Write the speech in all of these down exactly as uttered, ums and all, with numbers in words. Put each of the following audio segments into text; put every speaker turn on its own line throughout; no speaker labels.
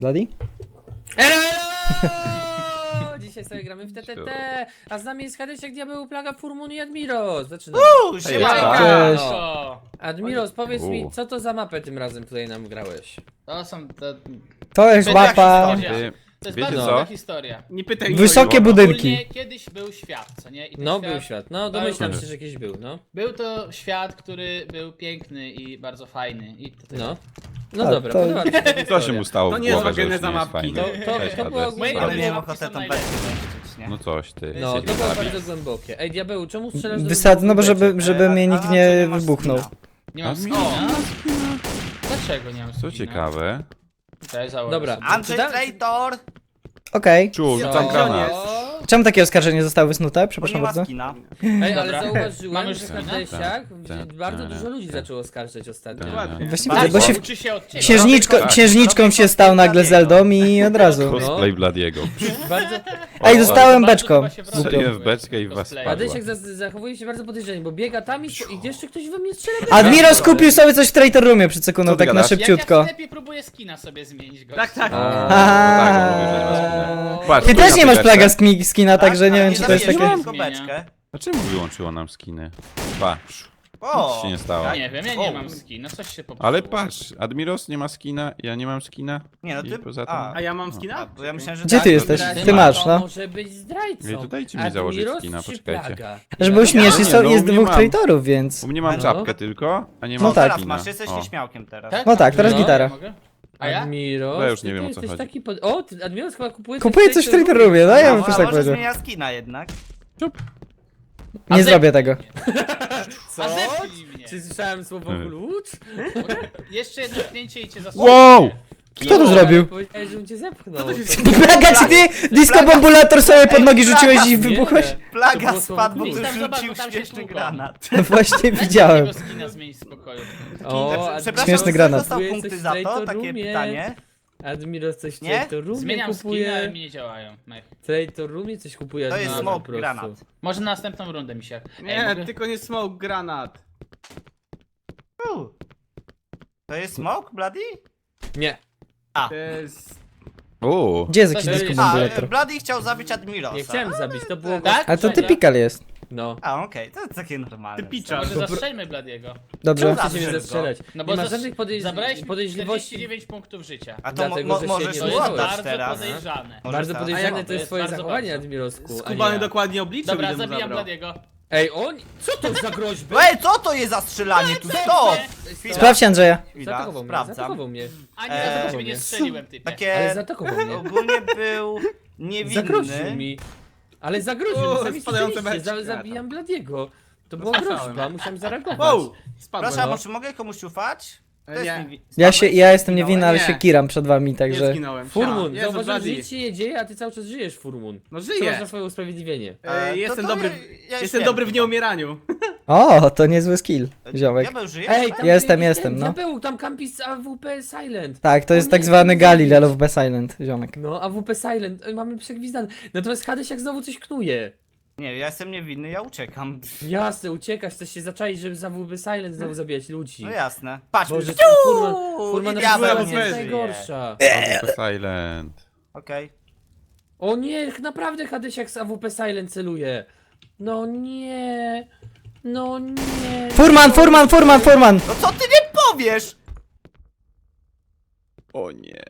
Bloody?
Elo, elo! Dzisiaj sobie gramy w T T T, a z nami jest Hadesiak, Diabeł, Plaga, Furmun i Admiros. Zaczynamy.
Uuu,
Cześć.
Cześć.
Admiros, powiedz mi,
U.
co to za mapę tym razem tutaj nam grałeś?
To są te...
To jest
Będzie jak
mapa.
historia.
Ty,
To jest
wiecie
bardzo
co?
długa historia.
Nie pytaj
Wysokie
mnie.
budynki.
Ogólnie kiedyś był świat, co nie? I ten
No,
świat,
był świat. No, domyślam się, że jakiś był, no.
Był to świat, który był piękny i bardzo fajny. I to tyle.
No. No
A,
dobra,
to-
podoba mi się ta
Co się
historia.
mu stało
To
w
nie jest
głowę, że już
geneza
nie jest
mapki.
fajny?
To- to-
Cześć,
to była
Hades.
głęboka-
Moje
Ale
ulubione
miałem
mapki
ochotę
są
tam
najlepsze.
wejść, nie?
No coś ty.
No,
się
to było
zabił.
bardzo głębokie. Ej, Diabeł, czemu strzelasz do
Wysadzę, no bo żeby,
beczek?
żeby mnie nikt
A,
nie
czy nie masz
wybuchnął.
skina?
Nie mam
A,
skina. Dlaczego nie mam skina?
Co ciekawe.
Cześć, założę
Dobra.
sobie.
Andrzej
Czyta-
Traitor!
Okej.
Czu,
Co?
rzucam granat.
Czemu takie oskarżenie zostały wysnute?
Bo nie
Przepraszam
ma
bardzo.
skina.
Ej, ale
Dobra.
zauważyłem,
Mamy
że
skina?
Hadesiak,
Tak,
bardzo
tak,
dużo ludzi
tak.
zaczęło oskarżać ostatnio.
Dokładnie.
Właśnie
Tak,
widzę, bo się
uczy się od ciebie.
księżniczką,
Tak.
księżniczką się stał nagle Zeldą i od razu.
Cosplay Bladiego.
Bardzo...
Ej, dostałem
Bardzo
beczką.
chyba się wrobił.
Strzeliłem w beczkę i w was
Cosplay.
spadła.
Hadesiak za- zachowuje się bardzo podejrzanie, bo biega tam i, i jeszcze ktoś we mnie strzela.
Admiros kupił sobie coś w Traitor Roomie przed sekundą,
Co ty
tak na
gadasz?
szybciutko.
Jak ja w sklepie próbuję skina sobie zmienić go.
Tak, tak.
A, no tak, on mówi, że nie ma skina. Patrz,
Ty
tu
też
na
nie masz
tej
plaga
beczce.
sk- skina, także nie wiem czy to jest
zabijesz
takie...
tylko beczkę.
A czemu wyłączyło nam skiny? Patrz, nic
O!
się nie stało.
Nie wiem, ja nie
O.
mam skina, coś się popsuło.
Ale patrz, Admiros nie ma skina, ja nie mam skina.
Nie no
I
ty...
poza tym...
A,
A ja mam
a,
skina?
bo ja myślałem, że
Gdzie
tak,
ty
to
jesteś?
ty
Ty masz,
To
no.
może być zdrajcą.
Ej, to dajcie mi założyć
Admiros
skina,
czy
poczekajcie.
Plaga?
Żeby było śmiesznie,
nie,
są-
no,
jest
nie
dwóch
mam.
traitorów, więc...
U mnie mam
No.
czapkę tylko, a nie
No
mam
tak.
Teraz
skina.
masz, jesteś
O.
nieśmiałkiem teraz.
Tak?
No tak, teraz
No,
gitara.
ja mogę? A ja?
Admiros,
No ja już
ty
nie wiem,
to
o co
jesteś
chodzi.
taki pod... O, ty, Admiros chyba kupuje
Kupuję coś w Traitor Roomie, no ja bym
A,
też
a
tak
może
powiedział.
zmienia skina jednak.
A
Nie
ze-
zrobię tego.
Co?
A zepnij mnie.
Czy słyszałem słowo
Hmm.
klucz?
Jeszcze jedno pchnięcie i cię zasłucham.
Wow!
Kto to zrobił?
Powiedziałeś, żebym cię zepchnął.
Plaga, czy ty disco bombulator sobie pod nogi rzuciłeś i wybuchłeś?
To
Plaga
było
spadł, bo
słowo
ktoś
klucz. Tam
rzucił
zobacz, tam się
śmieszny
tłuką.
granat.
Właśnie
Dajcie
widziałem.
tego skina zmienić z pokoju.
O,
Przepraszam,
Admiros,
Śmieszny
ktoś
granat.
dostał
Kupuje
punkty
coś w
za to?
Traitor
Takie
Roomie.
pytanie.
Admiros coś w
Nie?
Traitor Roomie
Zmieniam skina, ale
kupuje.
mi nie działają. Mech.
W Traitor Roomie coś kupuje
To jest
Admiros
smoke
po prostu.
granat.
Może na następną rundę mi się. Ej,
Nie,
mogę-
tylko nie smoke granat.
U. To jest smoke, Bloody?
Nie.
To jest...
Uuu.
Gdzie jest jakiś
To
disco
jest-
A,
bombulator?
Bloody chciał zabić Admirosa.
Nie chciałem zabić, to było...
Tak?
A to
Dobra.
typical jest.
No.
A, okej, to takie normalne.
Typicza.
Może zastrzelmy Bladiego.
Dobrze.
Czemu
Chcecie mnie
Zastrzel go.
zastrzelać.
No bo
Nie ma
zas-
żadnych podejrz...
Zabrałeś mi
podejrzliwości.
czterdzieści dziewięć punktów życia.
A to mo
Dlatego,
mo
że się
możesz
nie
To
mu
jest
dowiedziałeś.
oddać
bardzo
teraz.
podejrzane.
Może
Bardzo
tak.
podejrzane
A jak-
to jest
jest
twoje
bardzo
zachowanie,
bardzo.
Admirosku. a nie
Skubany
ja.
dokładnie obliczył,
Dobra,
ile mu
zabijam
zabrał.
Bladiego.
Ej, on? Co to za groźby?
Ej, co to jest za strzelanie tu? Stop! Chwila,
Sprawdź Andrzeja.
chwila,
Zaatakował mnie,
sprawdzam.
zaatakował mnie.
Ani
Eee,
razu do ciebie nie strzeliłem, typie.
Ale
Takie...
zaatakował mnie.
Ogólnie był
Zagroził
niewinny.
mi. Ale zagroził
O,
mi, sami
spadające
słyszeliście,
beczki.
za, zabijam Bladiego. To była
Słyszałem.
groźba, musiałem zareagować.
Wow! Spadłem.
Przepraszam,
no.
czy mogę komuś ufać? To
E,
jest
nie.
niewi-
Ja się, ja jestem
Zginąłeś?
niewinny, ale
Nie.
się kiram przed wami,
Nie
także...
zginąłem.
Furmun,
Jezu,
zauważyłem, że
Bloody.
nic się nie dzieje, a ty cały czas żyjesz, Furmun.
No
Co masz
żyję.
na swoje usprawiedliwienie?
E,
to-
Jestem
to
dobry,
ja- ja już
jestem
wiem.
dobry w nieumieraniu.
O, to niezły skill,
Ja
ziomek.
był żyjesz?
Ej,
tak?
tam
Jestem,
ten-
jestem, no.
Diabeł, tam kampi z A W P Silent.
Tak, to
O
jest
nie,
tak zwany
nie
Gali,
zabić.
Love Be Silent, ziomek.
No, A W P Silent, Ej, mamy przegwizdane. Natomiast Hadesiak znowu coś knuje.
Nie, ja jestem niewinny, ja uciekam.
Jasne, uciekasz, chcesz się zaczaić, żeby za A W P Silent znowu zabijać ludzi.
No jasne. Patrz,
Boże,
Ciu!
ten Furman, Furman
I
na
diabeł
jest
nie żyje.
najgorsza.
Silent.
Okej.
O nie, naprawdę Hadesiak z A W P Silent celuje. No nie. No nie.
Furman, Furman, Furman, Furman!
No co ty nie powiesz?
O nie.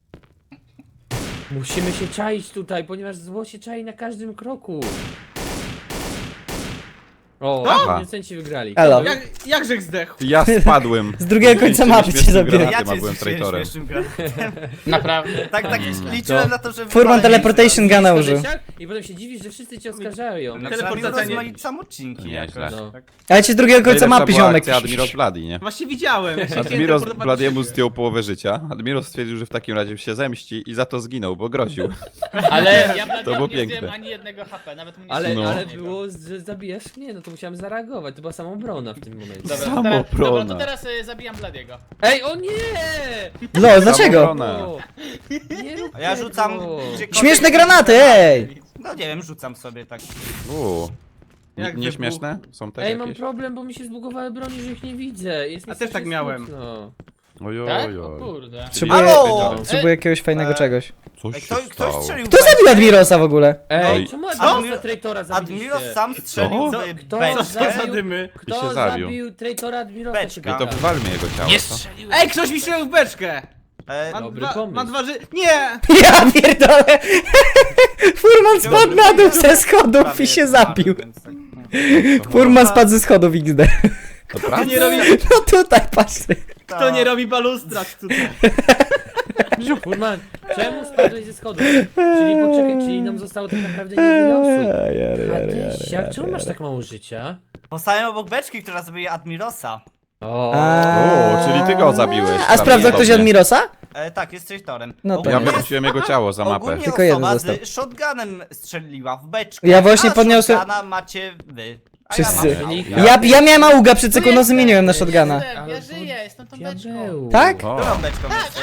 Musimy się czaić tutaj, ponieważ zło się czai na każdym kroku. O,
Aha.
producenci wygrali.
Elo.
Jak, jakżech zdechł?
Ja spadłem.
Z drugiego końca mapy cię zabiję.
Ja
Ja
cię
byłem
zrzuciłem
traitorem.
śmiesznym gratem.
Naprawdę.
Tak, tak
Mm.
liczyłem
To-
na to, że...
Furman
wypalę
teleportation
miejsce.
guna użył.
I potem się dziwisz, że wszyscy cię oskarżają.
No
Teleportacja
przynajmniej
nie-
rozmaicam odcinki
Nieźle.
jakoś.
No.
Ale ci z drugiego końca
Najlepsza
mapy,
była
ziomek.
akcja Admiros Bloody, nie?
Właśnie widziałem. Ja się chciałem
Admiros
teleportować do
Bladiemu
siebie.
zdjął połowę życia. Admiros stwierdził, że w takim razie się zemści i za to zginął, bo groził.
Ale ja Bladiego
było
nie
piękne.
zdjąłem ani jednego H P, nawet mu nie
Ale,
strzeliłem
No.
ale
z niego.
było, że zabijasz mnie, no to musiałem zareagować. To była samobrona w tym momencie.
Dobra, to
Samobrona.
teraz, dobra, to teraz y, zabijam Bladiego.
Ej, o nie!
No, dlaczego?
Samobrona.
O, nie rób
A ja
tego.
rzucam... gdziekolwiek-
Śmieszne granaty, ej!
No nie wiem, rzucam sobie tak.
Uuu.
Jak
Nie
wybuch-
śmieszne? Są też
Ej, mam
jakieś?
problem, bo mi się zbugowały broni, że ich nie widzę. Jest mi
A też tak
strasznie
miałem.
smutno.
Ojoj,
Tak? O
ojoj.
kurde.
Potrzebuję,
Halo!
potrzebuję jakiegoś fajnego
E,
czegoś.
Coś
Ej,
się
kto, ktoś
stało.
strzelił
Kto
w
zabił
beczkę?
Admirosa w ogóle?
Ej,
Oj.
czemu
Admi-
Admirosa Traitora zabiliście?
Admiros sam strzelił
Co?
w
Kto
beczkę.
Co za
zabił,
dymy?
kto
I się zabił.
zabił Traitora Admirosa?
Beczka.
się
No to
pyta.
wywalmy jego ciało, co?
Ej, ktoś mi strzelił w beczkę!
E,
Ma
Dobry
dwa,
pomysł.
ma dwa ży... Nie!
Ja pierdolę! Furman spadł na dół ze schodów
prawie
i się
zmarł,
zabił.
więc tak, no.
Furman spadł ze schodów X D.
To
Kto
prawda?
nie robi,
No tutaj, patrzcie.
kto nie robi balustrad tutaj?
Furman, czemu spadłeś ze schodów? Czyli poczekaj, czyli nam zostało tak naprawdę niewiele osób. Hadysiak, czemu masz tak mało życia?
Postałem obok beczki, która zabije Admirosa.
O,
O, czyli ty go zabiłeś.
A sprawdza ktoś
prawdopodobnie.
Admirosa?
E, tak, jest traitorem.
No to
Ja
Ogólnie-
wyrzuciłem jego ciało za mapę.
Ogólnie
Tylko jeden
osoba
został.
z shotgunem strzeliła w beczkę.
Ja właśnie
a
podniosłem-
shotguna macie wy. A
Wszyscy.
ja mam
Czyli-
Ja, ja miałem auga, przed sekundą zmieniłem na shotguna.
Jestem, ja żyję, jestem tą beczką.
diabeł.
Tak?
Którą
O,
beczką jesteś?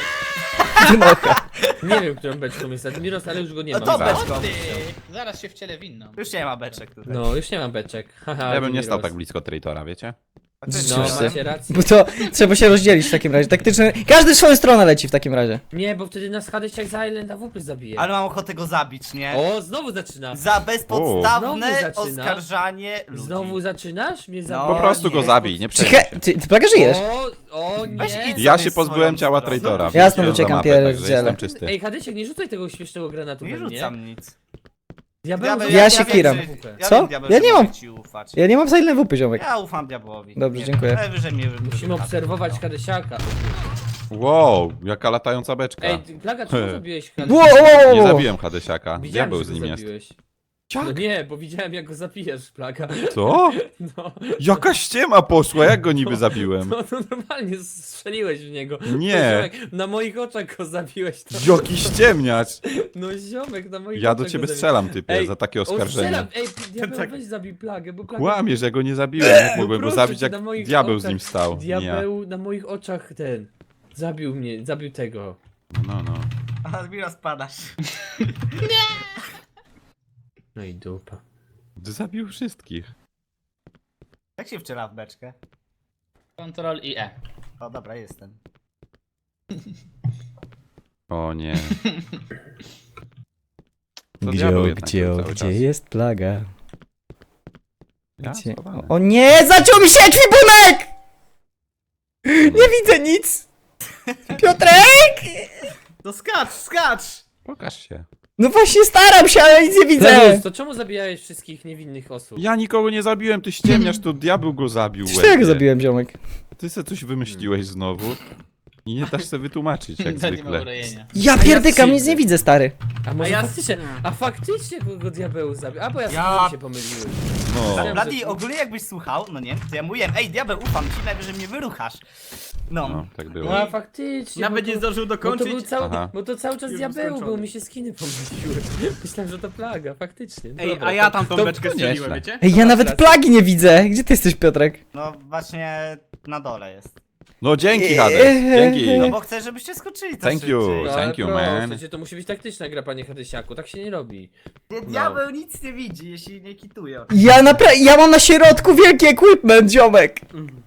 Nie wiem, którą beczką jest Admiros, ale już go nie
No
ma.
to
Dobra.
beczką.
O ty! Zaraz się wcielę w inną.
Już nie ma beczek tutaj.
No, już nie mam beczek. Haha,
ja bym nie stał
Admiros.
tak blisko Traitora, wiecie?
A ty
No,
Wszyscy.
macie rację.
Bo to trzeba się rozdzielić w takim razie. Taktyczny. Każdy w swoją stronę leci w takim razie.
Nie, bo wtedy nas Hadysiak za Island A W P zabije.
Ale mam ochotę go zabić, nie?
O, znowu zaczyna.
Za bezpodstawne
Znowu zaczyna.
oskarżanie ludzi.
Znowu zaczynasz? Mnie
No,
zabije.
Po prostu go
nie.
zabij, nie przejmuj
Czekaj,
się.
ty, ty plaga żyjesz?
O, o
Weź
nie.
idź.
Ja
sobie
się pozbyłem
swoją
ciała
stronę.
Traitora.
Jasno,
wyrzuciłem
uciekam,
za mapę,
pierdzielę.
także jestem czysty.
Ej, Hadysiak, nie rzucaj tego śmiesznego granatu
Nie
we mnie.
rzucam nic.
Diabeł,
Diabeł-
zobacz,
Ja
wiem,
się
że-
kiram.
Ja
Co?
wiem, diabeł,
Ja
że
nie
mogę
mam.
ci ufać.
Ja nie mam za ile wupy, ziomek.
Ja ufam diabłowi.
Dobrze,
Nie.
dziękuję.
Najwyżej mnie
Musimy obserwować Hadysiaka.
Wow, jaka latająca beczka.
Ej, Plaga, czemu zabiłeś
Wow,
Hadysiaka?
wow,
Nie
wow.
zabiłem Hadysiaka.
Widziałem,
Diabeł
że
z
go
nim jest.
zabiłeś. No nie, bo widziałem jak go zabijesz, Plaga.
Co?
No,
Jaka ściema poszła, jak go niby zabiłem?
no, no normalnie strzeliłeś w niego.
Nie.
Ziomek, na moich oczach go zabiłeś. To...
Jaki ściemniacz!
No ziomek, na moich
Ja
oczach
do
go
ciebie
zabiłeś.
strzelam, typie,
Ej,
za takie
O,
oskarżenie.
strzelam! Ej, diabeł,
Tak.
weź zabij Plagę, bo Plaga...
Kłamie, że go nie zabiłem. Jak mogłem go
proszę
zabić,
cię,
jak
na moich
diabeł z
oczach.
nim stał? Nie ja.
Diabeł na moich oczach ten... Zabił mnie, zabił tego.
No, no.
Admiro, spadasz.
No i dupa.
Zabił wszystkich.
Jak się wciela w beczkę?
Ctrl i E.
O, dobra, jestem.
O nie. To
Gdzie,
diabeł jednak
gdzie,
był cały
gdzie
czas.
jest plaga?
Ja?
Gdzie?
Schowany.
O nie, zaciął mi się ekwipunek! Nie widzę nic! Piotrek!
No skacz, skacz!
Pokaż się.
No właśnie staram się, ale nic nie widzę!
Plebus, to czemu zabijałeś wszystkich niewinnych osób?
Ja nikogo nie zabiłem, ty ściemniasz, to diabeł go zabił.
Przecież to ja go
łebie.
zabiłem, ziomek.
Ty se coś wymyśliłeś znowu i nie dasz sobie wytłumaczyć, jak
To nie ma
zwykle.
urojenia.
Ja pierdykam, nic nie widzę, stary.
A może
A ja-
faktycznie, a faktycznie kogo diabeł zabił? A bo ja,
Ja-
ja... się pomyliłem.
No.
Myślałem,
Bladi,
że-
ogólnie jakbyś słuchał, no nie, to ja mówiłem, ej diabeł, ufam ci, najwyżej mnie wyruchasz. No.
No, tak było.
No a faktycznie.
Nawet
bo
nie
to-
zdążył
Bo to, był
dokończyć.
cały,
Aha.
bo to cały czas
Już
diabeł
skończony.
był, mi się skiny pomyliły. Myślałem, że to plaga, faktycznie.
Ej,
Dobra,
a ja
to-
tam tą
to-
beczkę
to nie-
strzeliłem,
nieźle.
wiecie?
Ej, ja
masz
nawet
rację.
plagi nie widzę. Gdzie ty jesteś, Piotrek?
No właśnie na dole jest.
No dzięki,
Eee.
Hades, dzięki.
No bo chcę, żebyście skoczyli to
Thank you.
szybciej.
No,
Thank you,
proszę
man.
cię, to musi być taktyczna gra, panie Hadysiaku, tak się nie robi.
Nie, diabeł nic nie widzi, jeśli nie kituje.
Ja napra- ja mam na środku wielki equipment, ziomek!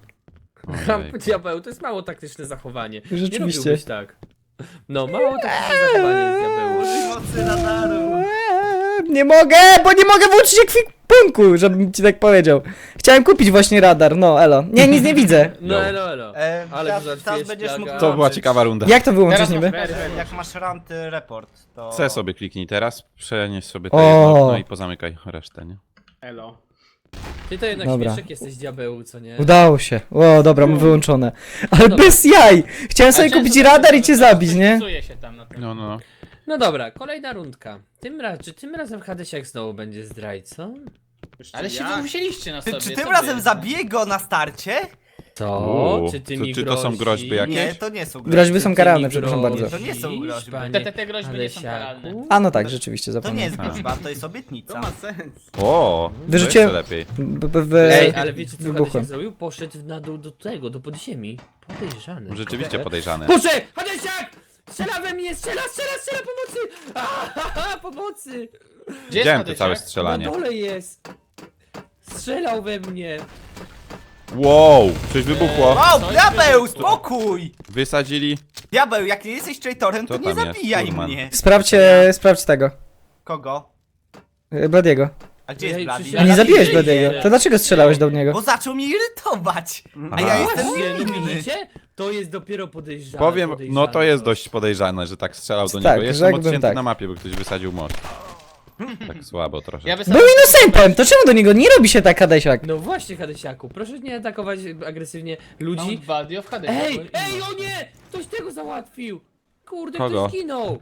Ojej.
Diabeł, to jest mało taktyczne zachowanie. Nie
Rzeczywiście.
robiłbyś tak. No, mało taktyczne zachowanie jest diabeł.
Mocy radaru.
Eee, Nie mogę, bo nie mogę włączyć ekwipunku, żebym ci tak powiedział. Chciałem kupić właśnie radar, no elo. Nie, nic nie widzę.
No elo, elo.
E,
Ale
teraz,
zaraz
teraz
jest
będziesz mógł
plaga.
To była
wyłączyć.
ciekawa runda.
Jak to wyłączyć
Teraz
niby?
masz
E, Jak masz ranty report, to...
C sobie kliknij teraz, przenieś sobie to
O.
jedno okno i pozamykaj resztę, nie?
Elo.
Ty to jednak
Dobra.
śmieszek jesteś diabeł, co nie?
Udało się. O, dobra, mam wyłączone. Ale
Dobra.
bez jaj! Chciałem
A
sobie
często
kupić
tak
radar i
jest,
cię
że
zabić,
coś
nie?
psuje się tam na tym.
No, no.
No dobra, kolejna rundka. Tym raz, czy tym razem Hadysiak znowu będzie zdrajcą?
Ale się
Ja.
musieliście na
Ty,
sobie.
czy
co
tym
wy
razem
jest?
zabiję go na starcie?
To?
Uuu,
Czy ty
to-
mi
czy to są
grozi?
groźby jakieś?
Nie, to nie są groźby.
Groźby są
Czy ty
karalne,
mi
przepraszam
grozisz,
bardzo.
To nie są groźby.
panie
Te, te, te groźby nie są
Hadysiaku?
karalne.
A no tak, rzeczywiście,
To nie
zapomniałem.
jest groźba, to jest
To
obietnica.
ma sens.
O,
Wyrzuciłem-
to jeszcze lepiej.
B- b- w-
Ej, ale wiecie co
wybuchłem.
Hadysiak zrobił? Poszedł na dół do tego, do podziemi. Podejrzany.
Rzeczywiście podejrzane.
Proszę! Hadysiak! Strzela we mnie! Strzela, strzela, strzela! Pomocy! Ahaha, pomocy!
Gdzie jest
Widziałem to
Hadysiak?
całe
Na
strzelanie.
dole jest! Strzelał we mnie!
Wow, coś wybuchło.
Wow,
Coś
diabeł,
wybuchło.
spokój!
Wysadzili.
Diabeł, jak nie jesteś traitorem, to
Co
nie
tam jest,
zabijaj
Furman?
mnie.
Sprawdźcie, sprawdź tego.
Kogo?
y, Bladiego.
A gdzie jest
Ej,
Blady?
przecież
A nie
Ja
zabiłeś
nie
Bladiego.
żyję.
To dlaczego strzelałeś do niego?
Bo zaczął mnie irytować. A
Aha.
ja jestem
Właśnie, no
niewinny.
widzicie? To jest dopiero podejrzane.
Powiem, no
podejrzane
to jest
coś.
dość podejrzane, że tak strzelał do
Tak,
niego. Jestem
rzekłbym
odcięty
tak.
na mapie, bo ktoś wysadził most. Tak słabo trochę.
Ja
Był
wysadzam...
innocentem, to czemu do niego nie robi się tak, Hadesiak?
No właśnie, Hadesiaku, proszę nie atakować agresywnie ludzi.
Mount Valdio w Hadesie.
Ej,
bo-
ej, o nie! Ktoś tego załatwił! Kurde,
Kogo?
ktoś zginął!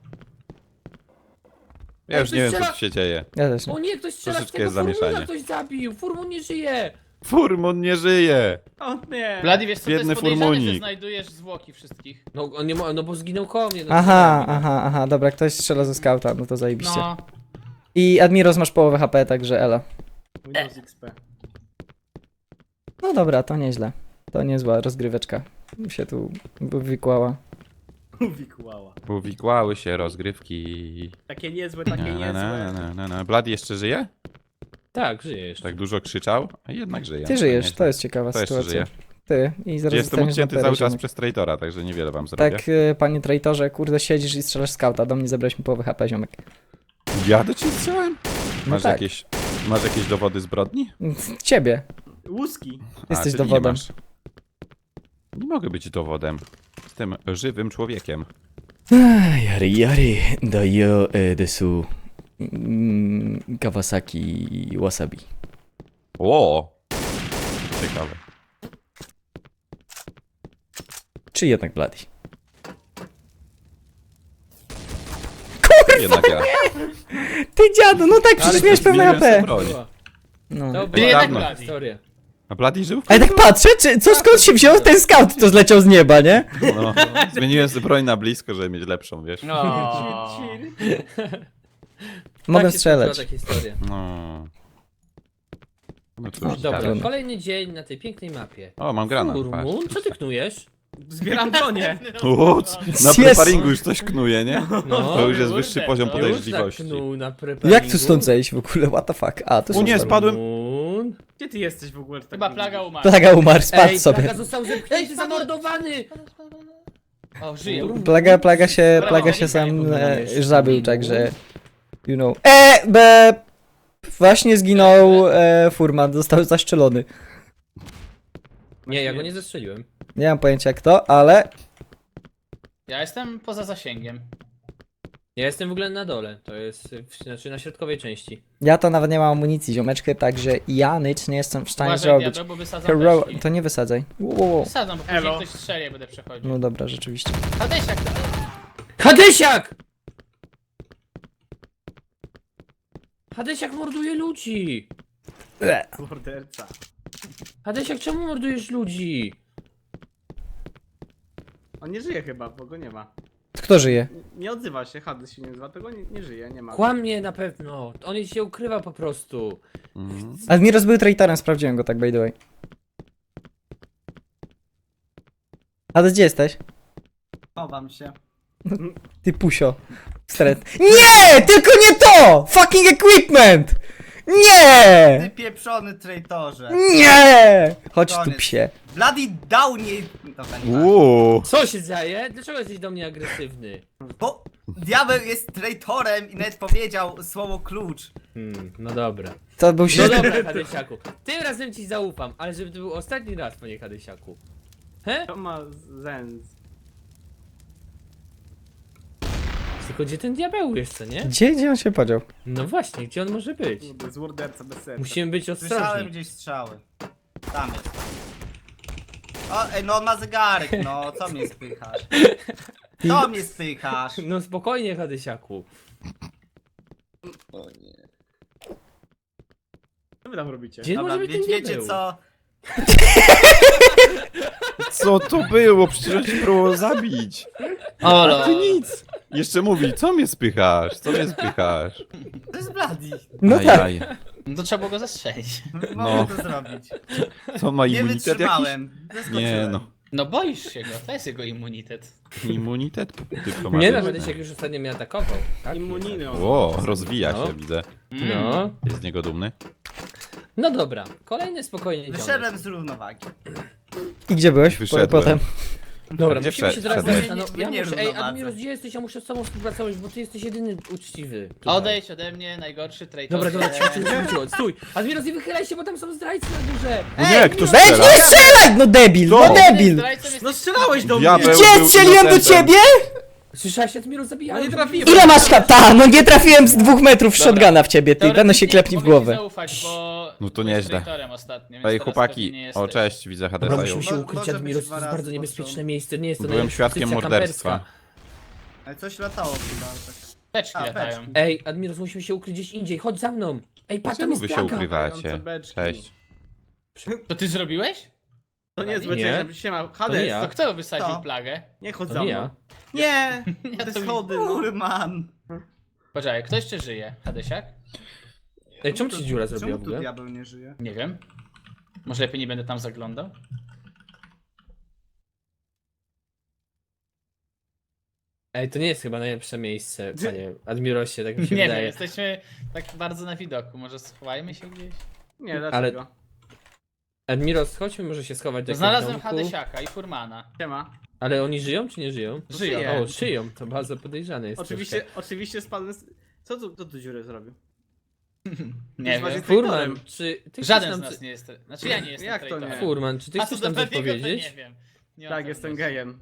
Ja już
Ej,
nie wiem, co
strzela-
tu się dzieje.
Ja też nie.
O nie, ktoś strzela w
Troszeczkę
tego
jest
Furmuna,
zamieszanie.
ktoś zabił! Furmun nie żyje!
Furmon nie żyje!
O nie.
Blady, wiesz co, to
Biedny
jest podejrzane,
furmunik.
że znajdujesz zwłoki wszystkich.
No, on nie mo- no bo zginął koło mnie. No,
Aha, aha, aha, dobra, ktoś strzela ze skauta, no to zajebiście.
No,
I Admiros masz połowę H P, także elo.
Windows X P.
No dobra, to nieźle. To niezła rozgryweczka. Mi się tu wykłała.
Uwikłała.
Uwikłały się rozgrywki.
Takie niezłe, takie
Na, na, na,
niezłe.
na, na, na. Bloody jeszcze żyje?
Tak, żyje jeszcze.
Tak dużo krzyczał? A jednak żyje.
Ty żyjesz,
nieźle.
to jest ciekawa
To jeszcze
sytuacja.
żyje.
Ty i zaraz
Jestem
dostaniesz
odcięty
na
cały czas
ziomek.
przez traitora, także niewiele wam zrobię.
Tak, y, panie traitorze, kurde, siedzisz i strzelasz skauta. Do mnie zabrałeś mi połowę H P, ziomek.
Ja do ciebie strzelałem?
No
Masz,
tak.
jakieś, masz jakieś dowody zbrodni?
Ciebie.
Łuski.
Jesteś
czyli nie
dowodem.
masz. Nie mogę być dowodem. Jestem żywym człowiekiem.
Yari yari, dayo desu. Kawasaki wasabi.
O! Ciekawe.
Czy jednak Bloody?
Jednak ja.
Ty dziadu, no tak, przecież miałeś pełne H
zmieniłem
P.
broń.
No.
To była
Byli
taka
jednak Bloody.
historia.
A Bloody żył?
Ale tak patrzę, czy, co skąd się wziął ten scout, to zleciał z nieba, nie?
No. Zmieniłem sobie broń na blisko, żeby mieć lepszą, wiesz?
no.
Mogę
Tak się
strzelać.
skończyła ta historia.
No. No cóż,
Dobra,
ciekawe.
kolejny dzień na tej pięknej mapie.
O, mam granat. patrz.
Furmun, co ty knujesz?
Zbieram bronię.
O, c- na
Jest.
preparingu już coś knuje, nie?
No,
To już jest
kurde,
wyższy
to
poziom
już
podejrzliwości.
zaknuł na preparingu.
Jak tu stąd zejść w ogóle, what the fuck? A, to
O nie,
są
spadłem.
Furmun.
Gdzie ty jesteś w ogóle? Tak
Chyba
nie
plaga
widzisz?
umarła.
Plaga umarł, spadł
Ej,
sobie.
Plaga został zepchnięty, zamordowany!
O, żyje.
Plaga, plaga się,
Brawo,
plaga się
nie
sam
powinien
e,
jeszcze
już zabił,
minął.
także... You know. E, be... Właśnie zginął e, Furman, został zastrzelony.
Nie, ja go nie zestrzeliłem.
Nie mam pojęcia kto, ale...
Ja jestem poza zasięgiem.
Ja jestem w ogóle na dole, to jest w, znaczy na środkowej części.
Ja to nawet nie mam amunicji, ziomeczkę, także ja nic nie jestem w stanie
Uważaj,
zrobić.
diabeł, bo wysadzam
Hero...
beczki.
To nie wysadzaj. Wow, wow, wow.
Wysadzam, bo później
Elo.
ktoś strzeli, jak będę przechodził.
No dobra, rzeczywiście.
Hadesiak, to...
Hadesiak! Hadesiak morduje ludzi!
Morderca.
Hadesiak, czemu mordujesz ludzi?
On nie żyje chyba, bo go nie ma.
Kto żyje?
Nie odzywa się, Hades się nie nazywa, tego nie, nie żyje, nie ma.
Kłamie na pewno, on się ukrywa po prostu.
Mhm.
Admiros był traitorem, sprawdziłem go tak by the way. A gdzie jesteś?
Chowam się.
Ty pusio. Stret. Nie! Tylko nie to! Fucking equipment!
Ty
Nie!
pieprzony traitorze.
Nie! Chodź tu
Koniec.
psie.
Bloody dał nie... Dobra, nie ma.
Uuu.
Co się dzieje? Dlaczego jesteś do mnie agresywny?
Bo diabeł jest traitorem i nawet powiedział słowo klucz.
Hmm, no dobra.
To był
No
się...
dobra, Hadesiaku. Tym razem ci zaufam, ale żeby to był ostatni raz, panie Hadesiaku. He?
To ma zens.
Tylko gdzie ten diabeł jest, co nie?
Gdzie, gdzie on się podział?
No właśnie, gdzie on może być?
Kurde, jest morderca bez serca.
Musimy być
Słyszałem
ostrożni.
gdzieś strzały. Tam jest. O, ej, no on ma zegarek, no, co mnie spychasz? Co mnie spychasz?
No spokojnie, Hadesiaku.
Co wy tam robicie?
Gdzie
Dobra,
może być
wie,
ten
wiecie
diabeł?
co?
Co to było? Przecież on cię próbował zabić.
O,
A ty nic. Jeszcze mówi, co mnie spychasz? Co mnie spychasz?
To jest Bloody.
No tak.
Ajaj.
No to trzeba było go zastrzelić.
Mogę to zrobić.
Co on ma
Nie
immunitet jakiś?
wytrzymałem. Zaskoczyłem.
Nie no.
No boisz się go, to jest jego immunitet.
Immunitet
Nie
dyplomatyczny.
no, Hadesiak już ostatnio mnie atakował. Tak?
Immuniny on.
O, rozwija
No.
się, widzę.
No.
Jest z niego dumny.
No dobra, kolejny spokojnie dzionek.
Wyszedłem z równowagi.
I gdzie byłeś po,
Wyszedłem.
potem?
Dobra,
Gdzie
musimy się
wszedł-
teraz
wszedłeś?
zastanowić. Ja
Nie
muszę, ej,
równowadze.
Admiros, gdzie jesteś? Ja muszę z tobą współpracować, bo ty jesteś jedyny uczciwy. tutaj.
Odejdź ode mnie, najgorszy traitor.
Dobra, dobra, cicho, cicho, cicho, stój! Admiros, nie wychylaj się, bo tam są zdrajcy na górze!
No nie, kto
Weź
strzela?
nie strzelać, no debil, no
Co?
debil!
No strzelałeś do
Diabeł.
mnie!
Gdzie
był
strzeliłem do
innocentem.
ciebie?
Słyszałeś, Admiros,
No
zabijałem.
nie trafiłem.
Ile masz hata? No nie trafiłem z dwóch metrów shotguna w ciebie, ty,
Teoretycznie
będę się klepni w
mogę ci
głowę.
zaufać, bo
No to
byłeś
nieźle.
traitorem ostatnio, więc
Ej,
teraz
chłopaki,
pewnie nie
o
jesteś.
cześć, widzę
Dobra,
Hadesa.
musimy się
Mo-
ukryć,
może być
Admiros, to
dwa
jest
razy
bardzo
pod
niebezpieczne
rząd.
miejsce, nie jest to
Byłem
najlepsza
świadkiem
pozycja
morderstwa.
kamperska.
Ale coś latało chyba. Tak.
Teczki
A,
latają.
beczki.
Ej, Admiros, musimy się ukryć gdzieś indziej, chodź za mną! Ej, patrz, tam
Czemu
jest
wy się
plaga!
ukrywacie?
beczki.
Cześć.
To ty zrobiłeś?
To nie jest
Nie.
złe, siema,
nie
Hades,
ja.
To kto wysadził
To.
plagę?
nie chodź
To
za
nie
mną.
ja.
Nie!
Ja
Te
to
schody, no.
Furman!
Poczekaj, kto jeszcze żyje? Hadesiak?
Ej, czemu ci dziura zrobiła
Czemu
w
tu
ogóle?
diabeł nie żyje?
Nie wiem. Może lepiej nie będę tam zaglądał?
Ej, to nie jest chyba najlepsze miejsce, panie Admirosie, tak mi się
Nie wiem,
wydaje.
jesteśmy tak bardzo na widoku. Może schowajmy się gdzieś?
Nie, dlaczego?
Admiros, chodźmy może się schować do jakiegoś
Znalazłem
domku.
Hadesiaka i Furmana.
Siema.
Ale oni żyją czy nie żyją?
Żyją.
Żyję.
O, żyją, to bardzo podejrzane jest
Oczywiście,
troszkę.
oczywiście spadłem z... Co tu, co tu dziurę zrobił?
Nie
Masz
wiem.
traitorem.
Furman, czy ty
Żaden
chcesz
z
nam...
nas nie jest. Znaczy ja nie jestem
Jak to nie?
traitorem.
Furman, czy ty
A
chcesz
co
nam
do
coś
Bladiego, to
powiedzieć?
nie wiem. Nie mam
Tak, jestem
pewności.
gejem.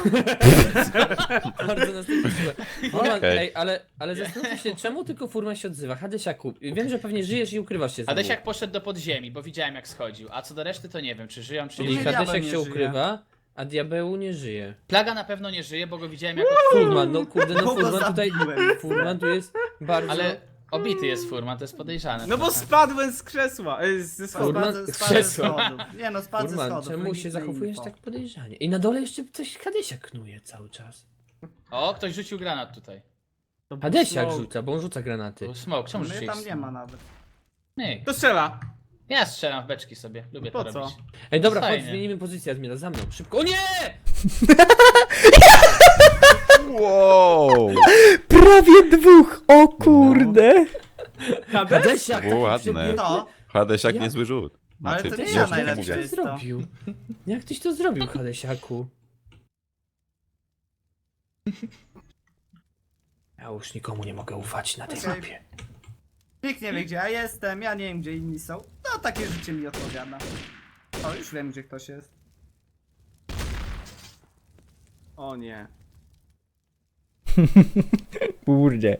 Bardzo nas to cieszy. Furman,
Okej.
ej, ale, ale zastanówmy się, czemu tylko Furman się odzywa? Hadesiaku, wiem, że pewnie żyjesz i ukrywasz się znowu.
Hadesiak poszedł do podziemi, bo widziałem jak schodził. A co do reszty to nie wiem, czy żyją, czy
Czyli
nie
Diabeł
żyją.
Hadesiak
nie
się
żyje.
ukrywa, a diabeł nie żyje.
Plaga na pewno nie żyje, bo go widziałem jak
Furman, no kurde, no
Kogo
Furman tutaj...
zabiłem?
Furman tu jest bardzo...
Ale obity jest Furman, to jest podejrzane.
No bo
trochę.
spadłem z krzesła, e, ze schodów.
Furman-
Spadł, spadł ze
krzesła.
schodów. Nie no, spadł ze
Furman,
schodów.
czemu się
legitne
zachowujesz
info.
tak podejrzanie? I na dole jeszcze coś Hadesiak knuje cały czas.
O, ktoś rzucił granat tutaj.
To był
Hadesiak
smoke.
rzuca, bo on rzuca granaty.
Był smoke, czemu
Mnie
rzuciłeś
tam nie
smoke?
ma nawet.
Nie,
To strzela.
ja strzelam w beczki sobie, lubię
Po
to
co?
robić.
Ej, dobra, chodź,
Fajnie.
zmienimy pozycję, Admira, za mną, szybko. O nie!
Wow!
Prawie dwóch, o kurde.
Hades?
Hadesiak,
Było
taki
ładne.
przebiegły.
To?
Hadesiak
Ja-
niezły rzut.
Ale
Znaczy,
to nie
już
ja
Jak
najlepszy
tyś to
jest to.
zrobił? Jak tyś to zrobił, Hadesiaku? Ja już nikomu nie mogę ufać na tej
Okej.
mapie.
Nikt nie wie gdzie ja jestem, ja nie wiem gdzie inni są. No takie życie mi odpowiada. O, już wiem gdzie ktoś jest.
O nie.
Kurde.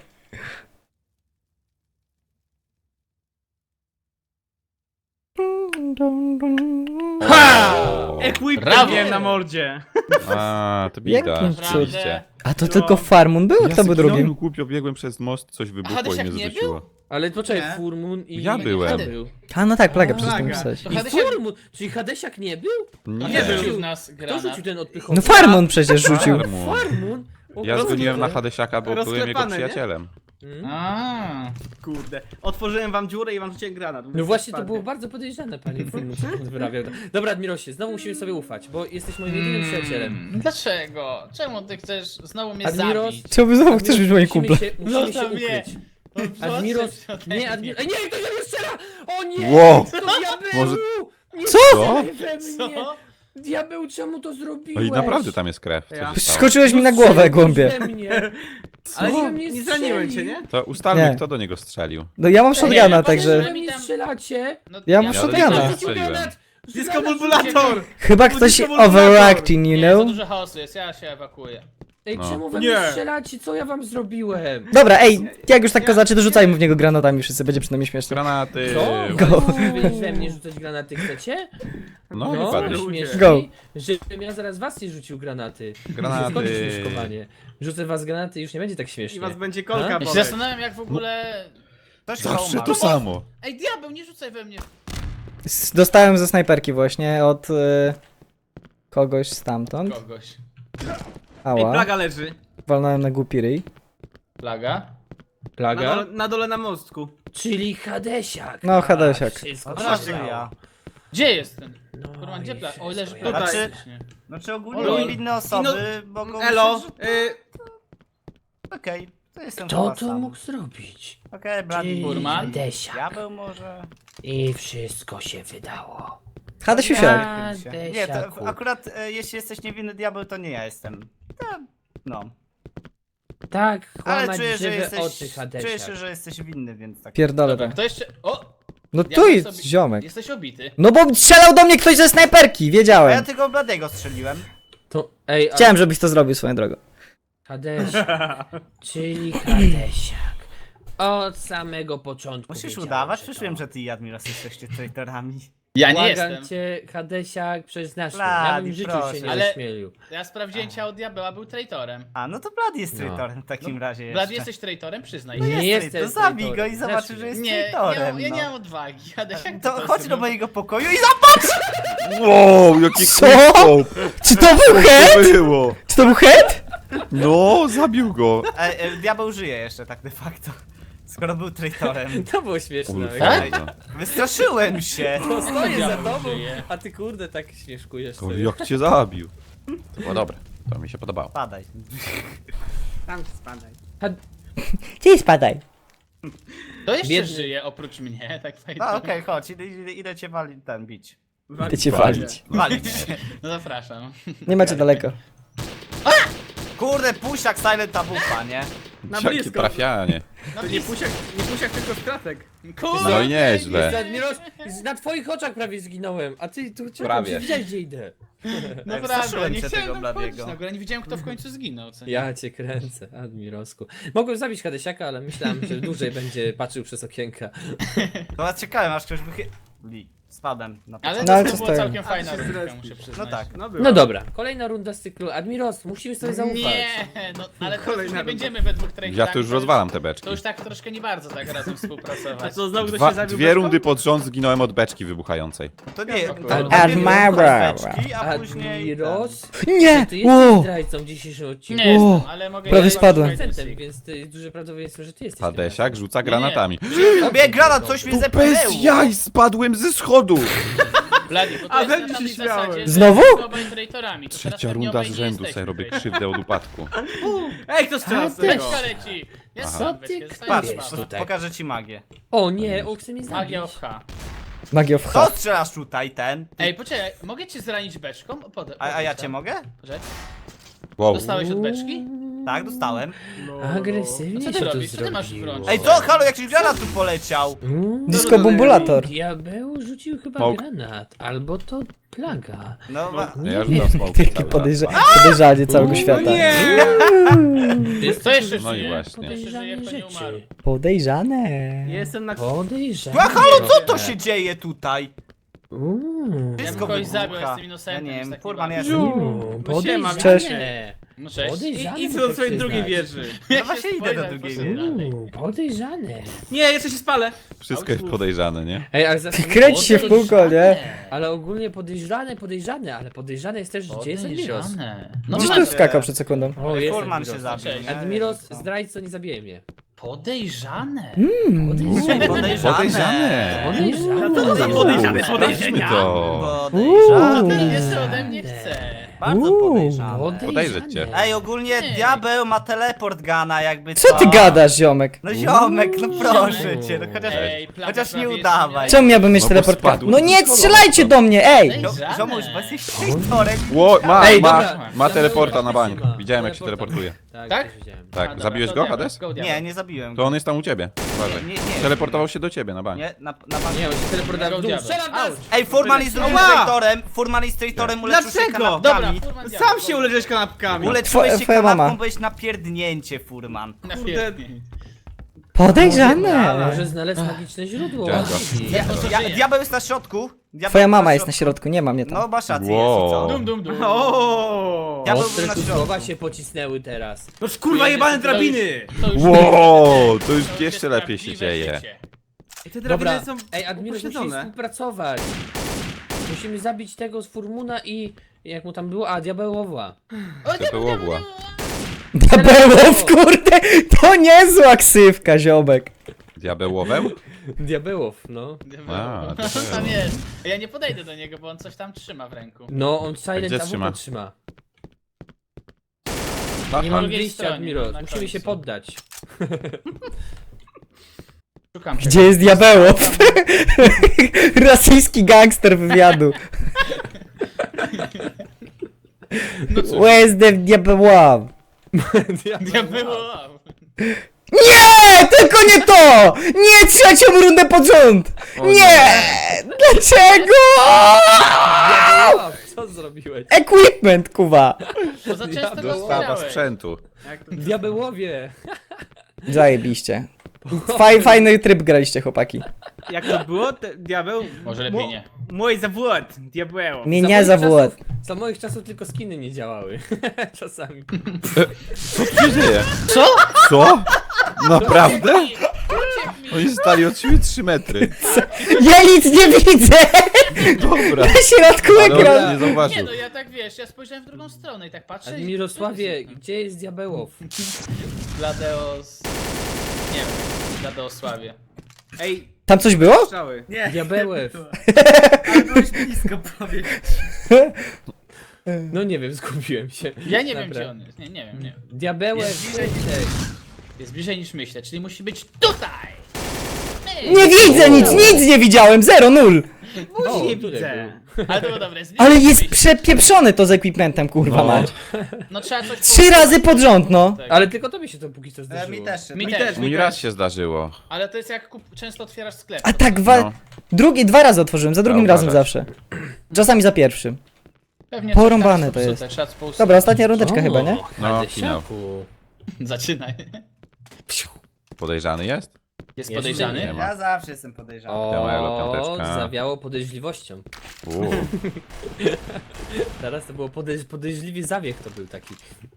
Ha!
O.
Equip
Brawo!
miałem na mordzie.
A, to bida.
Jakim
Rzeczywiście.
A to
No.
tylko Farmun był, a kto był
zginąłem,
drugim?
głupio biegłem przez most, coś wybuchło i
Hadesiak
mnie
nie
zrzuciło.
Ale poczekaj,
Nie.
Furmun i...
Ja
i
byłem.
kto był?
A no tak, plaga przez to
Plaga.
pisać.
To
I
Hadesiak,
Furmun, czyli Hadesiak nie był?
a
Nie,
kto rzucił w
był.
nas
Kto
granat?
rzucił ten odpychowy?
No Farmun przecież rzucił.
Farmun.
Farmun? O,
Ja
kurde.
zgoniłem na Hadesiaka, bo byłem jego
Rozklepane, nie?
przyjacielem.
Mm.
A,
Kurde. Otworzyłem wam dziurę i wam rzuciłem granat.
No właśnie, to
Spadnie.
było bardzo podejrzane, panie Furmun, co pan wyrabiał. Dobra, Admirosie, znowu musimy sobie ufać, bo jesteś moim jedynym przyjacielem.
Hmm, dlaczego? Czemu ty chcesz znowu mnie
Admiros-
zabić?
Czemu znowu chcesz być moim
Musimy
kumplem?
się, musimy się
Zostaw mnie.
ukryć.
No,
Admiros,
odsuń się ode
nie,
mnie.
Admiros, nie, ktoś we mnie strzela! O nie!
Wow.
To diabeł!
Może-
Nie
Co?
strzelaj we mnie!
Co?
Diabeł, czemu to
No
zrobiłeś?
i naprawdę tam jest krew. Co
Ja.
się stało?
Skoczyłeś mi na
No
głowę,
strzeliłeś
głąbie.
we mnie. Ale
Co?
we mnie
Nie zraniłem cię,
strzelił.
nie?
To ustalmy,
Nie.
kto do niego strzelił.
No ja mam
Nie,
shotguna,
ja
także...
We mnie strzelacie!
No,
Ja mam
ja
shotguna.
do
Ja
niego-
strzeliłem.
Disco bulbulator!
Chyba ktoś
Disco bulbulator.
overacting, you
Nie, za
know?
dużo chaosu jest, ja się ewakuuję.
Ej,
No.
czemu we
Nie.
mnie strzelacie? Co ja wam zrobiłem?
Dobra, ej, jak już tak kozaczy, to rzucajmy w niego granatami wszyscy, będzie przynajmniej śmieszne.
Granaty.
Co?
Go.
Wy we mnie rzucać granaty chcecie?
No,
No,
wypadnie.
śmieszniej,
Go.
żebym ja zaraz was nie rzucił granaty.
Granaty.
Skończyć śmieszkowanie. Rzucę was granaty i już nie będzie tak
I
śmiesznie.
was będzie kolka
A?
Ja się
boleć.
zastanawiam jak w ogóle...
Ktoś chyba
Zawsze
umarł.
to samo.
Ej, diabeł, nie rzucaj we mnie.
S- Dostałem ze snajperki właśnie od y, kogoś stamtąd.
Kogoś.
Ej,
Ała,
plaga leży.
walnąłem na głupi ryj.
Plaga?
Na
Plaga?
dole, na dole na mostku.
Czyli Hadesiak.
No, Hadesiak.
A, Wszystko
No
się
właśnie
stało.
ja.
Gdzie jest ten?
No
Kurwa, gdzie
i
plaga? O,
wszystko
leży
ja-
plaga.
Tutaj.
faktycznie.
Znaczy ogólnie
Olo.
niewinne osoby mogą
Elo,
myśleć,
y,
że... Okej, To jestem
Kto
chyba
to
sam.
mógł zrobić?
Okej, Blady.
Czyli
Furman?
Desiak.
Diabeł może?
I wszystko się wydało.
Hadesiusiak.
Ja,
Nie, to
Desiaku.
akurat e, jeśli jesteś niewinny diabeł, to nie ja jestem. Ja, no.
Tak,
Ale
kłamać
czuję, że
żywe
jesteś,
oczy, Hadesiak.
czuję się, że jesteś winny, więc tak.
Pierdolę
Dobra,
to.
kto jeszcze... O!
No
Ja
tu
bym
jest
sobie-
ziomek.
Jesteś obity.
No bo strzelał do mnie ktoś ze snajperki,
A ja
wiedziałem.
tylko Bladego strzeliłem.
To, ej, a
Chciałem, żebyś to zrobił swoją drogą.
Hadesiak, czyli Hadesiak. Od samego początku
Musisz
wiedziałem,
udawać?
że
Przecież
to.
wiem, że ty i Admiros jesteście traitorami.
Ja nie
Błagam
jestem.
cię, Hadesiak, przyznasz mi.
Blady,
Ja bym w życiu
proszę.
się nie
Ale-
ośmielił.
Ja sprawdziłem ciało diabeła, był traitorem.
A, no to Blady jest
No.
traitorem w takim razie jeszcze.
Blad, jesteś traitorem? Przyznaj
No
się.
Nie
jest,
jestem
to zabij go
traitorem.
i zobaczysz,
Znasz
że jest
Nie, nie
traitorem,
mam, ja
no.
nie mam odwagi. Hadesiak,
To
co
chodź
jest,
do
no?
mojego pokoju i zobacz!
Wow, jaki
Co?
quickscope!
Czy to był
Co to
head?
było?
Czy to był head?
No, zabił go.
E, e, diabeł żyje jeszcze tak de facto. Skoro był traitorem.
To było śmieszne.
Tak?
Kurwa.
Wystraszyłem się!
To stoję za
Diabeł
tobą,
żyje.
a ty kurde tak śmieszkujesz
To
sobie.
jak cię zabił. To było dobre. To mi się podobało.
Padaj.
Tam spadaj.
Gdzie spadaj?
To jeszcze
Biedny.
żyje oprócz mnie, tak fajnie.
No okej, chodź, idę, idę, idę cię wali, ten, bić.
Idę cię walić.
Walić.
No zapraszam.
Nie macie daleko.
Kurde, pusiak silent tabufa, nie?
Na
Jakie
blisko.
trafianie.
No
To nie pusiak, nie pusiak, tylko z kratek.
Kurde!
No i nieźle.
Admiros, na twoich oczach prawie zginąłem, a ty tu czekam,
Prawie.
że widziałeś gdzie idę.
Naprawdę,
Straszyłem
nie
się
chciałem
tego
tam wchodzić
Bladiego.
na górę, nie widziałem kto w końcu zginął, co nie?
Ja cię kręcę, Admirosku. Mogłem zabić Hadesiaka, ale myślałem, że dłużej będzie patrzył przez okienka.
To was czekałem, aż ktoś wychy... Li. Spadłem na
Ale
No,
to
ale
była
co stoją?
całkiem
A,
fajna
ty się
rundka,
zrespisz.
muszę
No
przyznać.
tak.
No, była.
No dobra, kolejna runda z cyklu. Admiros, musimy sobie zaufać.
Nie, no ale teraz już
Kolejna
nie
runda.
będziemy we dwóch traitorami.
Ja to już rozwalam te beczki.
To już tak troszkę nie bardzo tak razem
A
współpracować.
co, znowu ktoś
Dwa,
się zabił
dwie
beczką?
rundy pod rząd zginąłem od beczki wybuchającej.
To nie,
O
to
kurde.
Admira.
beczki, a później...
Admiros?
Nie!
Ty jesteś
Wow.
zdrajcą w dzisiejszym odcinku.
Nie
O,
jestem, ale mogę...
prawie
ja-
spadłem.
Procentem, więc to jest duże prawdopodobieństwo, że ty jesteś.
Hadesiak rzuca
Nie, nie.
granatami.
Bieg granat, coś mnie zepchnęło!
Bez jaj spadłem ze schodu!
Bladi, bo to
A,
jest na
będzie się
takiej
śmiałem.
zasadzie, że
Znowu?
jesteśmy obaj traitorami. To teraz
Trzecia
pewnie
runda
obaj
z
nie
rzędu
jesteśmy
sobie robię
traitorami.
krzywdę od upadku.
Ej, kto strzela z tego?
Beczka leci! Ja
Aha.
sam
Co
beczkę,
ty
zostań
Patrz,
Wiesz,
słaba.
tutaj.
pokażę ci magię.
O nie, o, chce mnie zabić.
Magia of H.
Magia of
Kto
H.
strzelasz tutaj, ten?
Ej, poczekaj, mogę cię zranić beczką? Pod,
A, a ja cię mogę?
Poczekaj.
Wow.
Dostałeś od beczki?
Tak, dostałem.
No,
Agresywnie
A co ty
się to
robisz? Co ty masz w
zrobiło.
rączce?
Ej, co? Halo, jakiś granat tu poleciał!
Mm,
Disco Bumbulator.
Diabeł rzucił chyba
Smok.
granat, albo to plaga.
No, wa-
Ja rzucam smoke
Takie podejrza podejrzanie całego świata.
nie!
Co jeszcze
No i
żyje?
właśnie.
Jeszcze żyje,
Podejrzane
kto nie umarł.
rzeczy.
Podejrzane.
Jestem na...
Podejrzane.
A halo, co to się dzieje tutaj?
Uuu.
Ja bym
Wszystko
kogoś
wybucha.
zabił, jestem innocentem.
Ja nie
jest
wiem,
taki
Furman
bardzo.
jest...
Uuu,
No siema,
Podejrzane.
No cześć.
Podejrzane.
I, idź
muszę
do swojej drugiej
przyznać.
wieży.
No właśnie idę do
Spoiler,
drugiej
poszedł
wieży.
dalej.
Uuu, podejrzane.
Nie, jeszcze się spalę.
Wszystko jest podejrzane, nie?
Ej, ale za...
Kręci się w kółko, nie?
Ale ogólnie podejrzane, podejrzane, ale podejrzane jest też, gdzie jest Admiros.
Podejrzane.
No
Gdzieś
macie.
tu skakał przed sekundą.
O, jest
Furman się
Admiros.
zabił, nie?
Admiros,
Co?
zdrajco, nie zabije mnie.
Podejrzane.
Podejrzane.
Podejrzane.
Podejrzane.
Podejrzane.
Co to za podejrzane
Sprawdźmy
podejrzenia?
to.
Podejrzane.
Ten jeszcze ode mnie chce.
Bardzo
Uuu.
podejrzane.
Podejrzeć cię.
Ej, ogólnie
Nie.
diabeł ma teleport gana, jakby
Co ty gadasz, ziomek?
No ziomek, no proszę cię, no chociaż,
Ej, plaga
chociaż nie
prawie
udawaj.
jest
Czemu miałbym mieć
No bo
teleport?
spadł.
No nie strzelajcie do mnie, ej!
No,
Podejrzane.
ziomuś, bo jesteś traitorem.
Ło, ma,
Ej,
ma,
dobra.
ma teleporta na bank.
Ma.
Widziałem jak się
Teleporta.
teleportuje.
Tak,
Tak?
też widziałem.
A,
Tak,
dobra,
zabiłeś
to
go,
diabeł,
Hades?
go diabeł.
Nie, nie zabiłem
To
go.
on jest tam u ciebie. Uważaj.
Nie, nie.
Teleportował się do ciebie na bank.
Nie, na, na bank.
Nie, on się teleportował w dół.
Diabeł.
Strzelam nas!
Ej, Furman jest drugim
Ała!
traitorem, Furman jest traitorem, uleczył się
Dlaczego?
Dobra,
kanapkami.
Furman diabeł.
Sam się uleżesz kanapkami.
Uleczyłeś
Twoja-
się
twoja mama.
kanapką, byłeś na pierdnięcie, Furman.
Na
Kurde.
pięknie.
Podejrzane.
Może znaleźć magiczne źródło.
Dziękuję.
łaski.
Ja, to
Ja,
żyje.
diabeł jest na środku. Diabeł
Twoja mama
na
jest na środku, nie ma mnie
No
tam.
masz rację,
Wow.
jest i co?
Dum, dum, dum.
O.
Ja- Diabeł
Ostre
był na
tu
środku.
słowa się pocisnęły teraz.
No kurwa jebane drabiny.
To już
Wow, to już
jest
jeszcze lepiej się
prawdziwe
dzieje.
życie.
I te
Dobra,
drabiny są
ej Admiros, musimy
upośledzone.
współpracować. Musimy zabić tego z Furmuna i... Jak mu tam było? A, diabełowła.
O,
To było była.
Diabełow, kurde! To niezła ksywka, ziomek.
Diabełoweł?
Diabełow, no.
A,
No,
to
co tam
było.
jest? Ja nie podejdę do niego, bo on coś tam trzyma w ręku.
No, on silent
gdzie
A W
trzyma?
P trzyma.
Aha.
Nie mam
drugiej
wyjścia,
stronie,
Admiro.
na
Musimy się
końcu.
poddać.
Szukam
Gdzie
czegoś.
jest Diabełow? Rosyjski gangster wywiadu.
No cóż,
Where's the Diabełow?
ja było.
Nie! Tylko nie to! Nie trzecią rundę pod rząd! Nie! Dlaczego?
Diabełow, co zrobiłeś?
Equipment, kuwa!
Bo za często go
Diabeł.
Sprawa
otwierałeś.
sprzętu.
Jak to...
Diabełowie!
Zajebiście. Faj, fajny tryb graliście, chłopaki.
Jak to było? Te, diabeł?
Może lepiej nie.
Mój zawód, diabeł.
Nie,
Za
nie
moich
zawód.
czasów- Za moich czasów tylko skiny nie działały. Czasami.
Co tu się dzieje?
Co?
Co? Naprawdę? Oni stali od siebie trzy metry.
Ja nic nie widzę!
Dobra.
Na środku
Ale on
ekranu.
nie
Nie
zauważył.
no, ja tak wiesz, ja spojrzałem w drugą stronę i tak patrzę i...
Mirosławie, gdzie jest Diabełow?
Bladeos... Nie wiem, Bladeosławie.
Ej,
Tam coś było?
strzały.
Nie.
Diabełew.
Ale byłeś blisko prawie.
No nie wiem, zgubiłem się.
Ja nie wiem
Dobra.
gdzie on jest, nie, nie wiem, nie wiem.
Diabełew,
Jest bliżej.
szybciej.
Jest bliżej niż myślę, czyli musi być tutaj!
Nie widzę nic, nic nie widziałem, zero, nul.
O,
nie
tutaj
widzę.
Ale to było dobre, jest bliżej
Ale
niż
jest
myślę.
przepieprzony to z equipmentem, kurwa
No.
mać.
No trzeba coś...
Trzy razy pod rząd, no.
Tak.
Ale tylko tobie się to póki co
E,
zdarzyło.
mi też.
Mi
Mi
też.
też,
Mi
mi
raz
też.
się zdarzyło.
Ale to jest jak kup... często otwierasz sklep.
A tak wa...
No.
Drugi, dwa razy otworzyłem, za drugim
Trzeba
razem
uważać.
zawsze. Czasami za pierwszym.
Pewnie
porąbane
coś tam
to
popsute,
jest.
trzeba pousuwać.
Dobra, ostatnia rundeczka
O,
chyba, nie?
No,
Hadesiaku.
Zaczynaj.
Podejrzany jest?
Jest
Jeszcze
podejrzany?
nie.
Ja zawsze jestem podejrzany.
Siema, elo,
O,
piąteczka.
zawiało podejrzliwością.
Uuu.
Teraz to było podejrz podejrzliwy zawiech to był taki.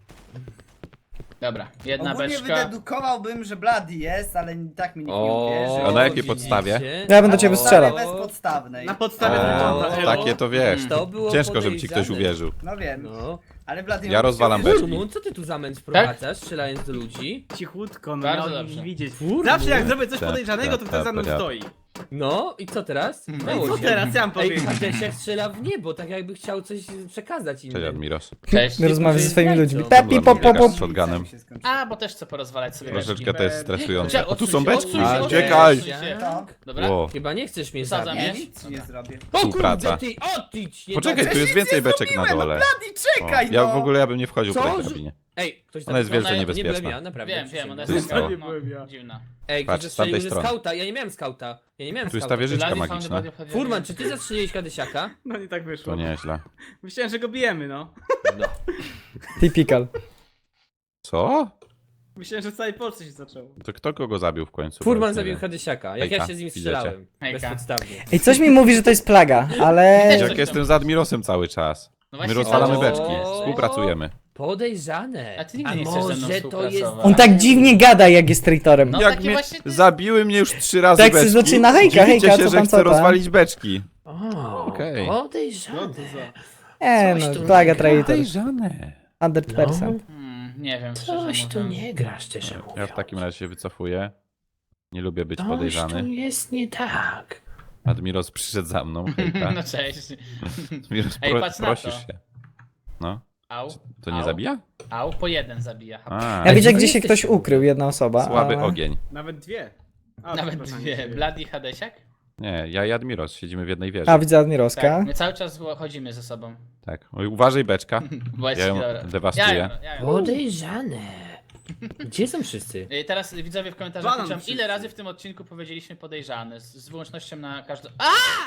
Dobra, jedna
Ogólnie
beczka.
wydedukowałbym, że Bloody jest, ale i tak mi nikt nie
O,
uwierzy.
A na jakiej
widzicie?
podstawie?
Ja będę cię
O,
wystrzelał.
bezpodstawnej.
Na podstawie
O,
wygląda. elo.
takie to wiesz.
To było
Ciężko, żeby ci ktoś
podejrzane.
uwierzył.
No wiem,
No.
ale Bloody
Ja rozwalam
beczki.
beczki.
Furmun, co ty tu zamęt wprowadzasz, strzelając do ludzi?
Cichutko, no
Bardzo
miał
dobrze.
nie widzieć.
Furmun.
Zawsze jak zrobię coś
Ta,
podejrzanego, to
ta,
ktoś za mną
ta, ta.
stoi.
No i co teraz?
No i
Dało
Co
się.
teraz ja mam
Ej,
powiedzieć?
Hadesiak strzela w niebo, tak jakby chciał coś przekazać
Cześć
innym.
Admiros.
Cześć.
Rozmawiam ze swoimi
Zdrajcą.
ludźmi. Pepi, pop, pop, pop.
Z shotgunem.
się skończyło.
A, bo też chcę porozwalać sobie beczki.
Troszeczkę to jest stresujące.
Cze-
O, tu
odsuń
są
się,
beczki.
odsuń się,
A,
odsuń się,
Uciekaj!
odsuń się.
To?
Dobra?
Ło.
Chyba
nie chcesz mnie
Wsadzam
zabić.
je.
Ja nic ci nie zrobię.
O
Współpraca.
kurde, ty odjdź! Nie
Poczekaj,
do-
tu jest więcej beczek na dole.
Bloody,
O,
czekaj,
ja
no!
w ogóle ja bym nie wchodził po
Co?
tej drabinie.
Ej, ktoś
Ona jest
tam-
wielce
nie
Nie byłem
niebezpieczna.
ja, naprawdę.
Wiem, wiem, ona
Co
jest
się
taka
stało?
no, dziwna.
Ej,
Patrz,
ktoś
z tamtej
zastrzelił ze
strony.
skauta, ja nie miałem skauta. Ja nie miałem
Tu jest
skauta.
ta wieżyczka
Bloody
magiczna.
Found the body of
Furman, czy ty zastrzeliłeś Hadesiaka?
No nie tak
To
wyszło.
nieźle.
Myślałem, że go bijemy, no.
No.
Typical.
Co?
Myślałem, że w całej Polsce się zaczęło.
To kto kogo zabił w końcu? Bo
Furman
już nie
zabił
wiem.
Hadesiaka, jak
Hejka,
ja się z nim
widzicie?
strzelałem.
Hejka.
Bezpodstawnie.
Ej, coś mi mówi, że to jest plaga, ale...
Jak jestem z Admirosem cały czas.
No
My
właśnie,
rozwalamy
o.
beczki, współpracujemy.
Podejrzane.
A ty nigdy nie chcesz ze mną
może to jest...
współpracować.
On tak dziwnie gada, jak jest traitorem.
No
Jak
takie
mnie
właśnie ty-
zabiły mnie już trzy razy
Tak się
beczki.
zaczyna, hejka,
Dziwicie
hejka,
się,
co
że
tam,
chcę
co tam?
rozwalić beczki.
O,
Okej.
podejrzane.
E,
Coś
no,
tu
plaga
nie
traitor.
Podejrzane.
hundred percent.
Hmm, nie wiem, szczerze
Coś tu
mówiąc.
nie gra, szczerze mówiąc.
Ja w takim razie się wycofuję. Nie lubię być
Coś tu
podejrzany.
jest nie tak.
Admiros przyszedł za mną, hejka.
No cześć.
Admiros,
Ej,
pro,
patrz na
prosisz
to.
się. No,
Au.
to nie
Au.
zabija?
Au, po jeden zabija.
A,
Ja widzę,
gdzie
gdzie się
jesteście
ktoś
w ogóle?
ukrył, jedna osoba.
słaby
ale...
ogień.
Nawet dwie. A,
Nawet
przepraszam,
dwie.
nie
Bloody Hadesiak?
Nie, ja i Admiros siedzimy w jednej wieży.
A, widzę Admirowska.
Tak, my cały czas chodzimy ze sobą.
Tak. Oj, uważaj beczka.
Bo jest
Ja ją
dobra.
dewastuję.
Ja ją, ja ją.
Podejrzane. Gdzie są wszyscy?
Y, Teraz widzowie w komentarzach
Banan
piszą,
wszyscy.
ile razy w tym odcinku powiedzieliśmy podejrzany, z, z wyłącznością na każdą... A!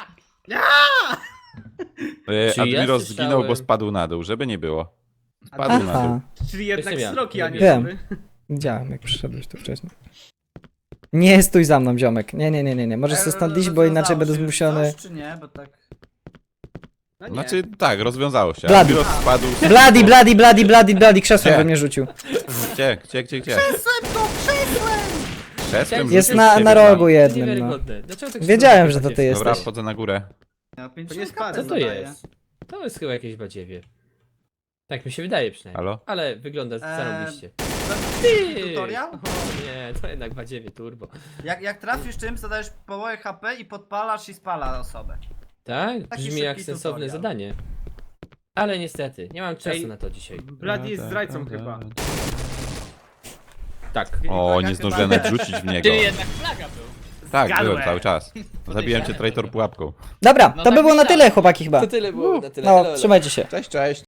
E,
Czy ja
Admiros
słyszałem-
zginął, bo spadł na dół, żeby nie było. Spadł na dół.
Aha,
Czyli jednak
Jestem ja.
sroki, a nie
Wiem.
sobie.
widziałem, jak przyszedłeś tu wcześniej. Nie stój za mną, ziomek. Nie, nie, nie, nie, nie. Możesz
Ej,
się stąd iść, bo
rozwiązało
inaczej będę
się już
zmuszony...
coś, czy nie, bo tak...
No nie.
Znaczy, tak, rozwiązało się.
Blady.
Admiros spadł.
Bloody, bloody, bloody, bloody, bloody, krzesłem
Gdzie?
we mnie rzucił.
Gdzie, gdzie, gdzie, gdzie?
Krzesłem to, krzesłem!
Krzesłem
Jest
rzucił
na,
siebie
na
tam.
rogu jednym, no.
Niewiarygodne. Dlaczego tak
Wiedziałem, że to
szybko
ty
jest.
Dobra,
jesteś.
wchodzę na górę.
No, pięć
To nie
szukane
spadł.
Co to
zadaję.
jest? To jest chyba jakieś badziewie. Tak mi się wydaje przynajmniej.
Halo?
Ale wygląda
Eee,
zarąbiście.
Zrobisz tutorial?
O nie, to jednak badziewie turbo.
Jak, jak trafisz czymś, to dajesz połowę H P i podpalasz i spala osobę.
Tak?
Taki
Brzmi jak
szybki
sensowne
tutorial.
zadanie. Ale niestety, nie mam czasu
Ej.
na to dzisiaj.
Bloody jest zdrajcą chyba.
Tak.
O, nie zdążyłem nawet rzucić w niego.
Czyli jednak flaga był.
Tak,
Zgadłem.
byłem cały czas. Zabiłem cię traitor pułapką.
Dobra,
No
to
tak
by było na
myślałem.
tyle, chłopaki chyba.
To tyle było, na tyle.
No,
Elo, elo.
trzymajcie się.
Cześć, cześć.